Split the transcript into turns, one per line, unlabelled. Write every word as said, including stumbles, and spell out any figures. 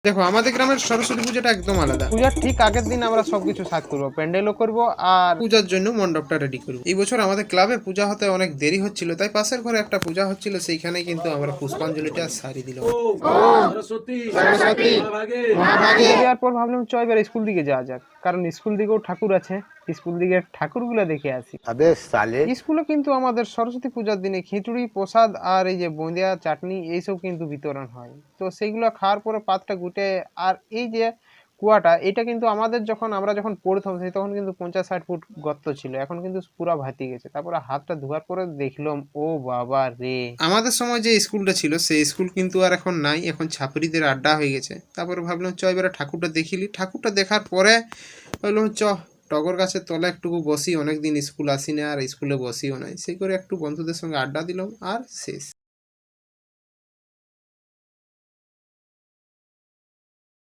দেখো আমাদের গ্রামের সরস্বতী পূজাটা একদম আলাদা।
পূজার ঠিক আগের দিন আমরা সবকিছু সাজ করবো, প্যান্ডেলও করবো আর
পূজার জন্য মণ্ডপটা রেডি করবো। এই বছর আমাদের ক্লাবে পূজা হতে অনেক দেরি হচ্ছিল, তাই পাশের ঘরে একটা পূজা হচ্ছিল, সেইখানে কিন্তু আমরা পুষ্পাঞ্জলিটা সারি দিলাম।
দেওয়ার পর ভাবলাম চ এবার স্কুল দিকে যাওয়া যাক, কারণ স্কুল দিকেও ঠাকুর আছে, স্কুল দিকে ঠাকুরগুলো দেখে আসি। স্কুলে কিন্তু আমাদের সরস্বতী পূজার দিনে খিচুড়ি প্রসাদ আর এই যে বোঁদিয়া চাটনি এইসব কিন্তু বিতরণ হয়। তো সেইগুলো খাওয়ার পরে পাতটা গুটে আর এই যে কুয়াটা, এটা কিন্তু আমাদের যখন আমরা যখন পড়তাম সেই তখন কিন্তু পঞ্চাশ ষাট ফুট গর্ত ছিল, এখন কিন্তু পুরা ভাতি গেছে। তারপরে হাতটা ধোয়ার পরে দেখলাম ও বাবা রে।
আমাদের সময় যে স্কুলটা ছিল সেই স্কুল কিন্তু আর এখন নাই, এখন ছাপরিদের আড্ডা হয়ে গেছে। তারপরে ভাবলাম চ এবারে ঠাকুরটা দেখিলি। ঠাকুরটা দেখার পরে ভাবলাম চ টগর গাছের তলা একটুকু বসি, অনেকদিন স্কুল আসি না আর স্কুলে বসিও নাই, সেই করে একটু বন্ধুদের সঙ্গে আড্ডা দিলাম আর শেষ।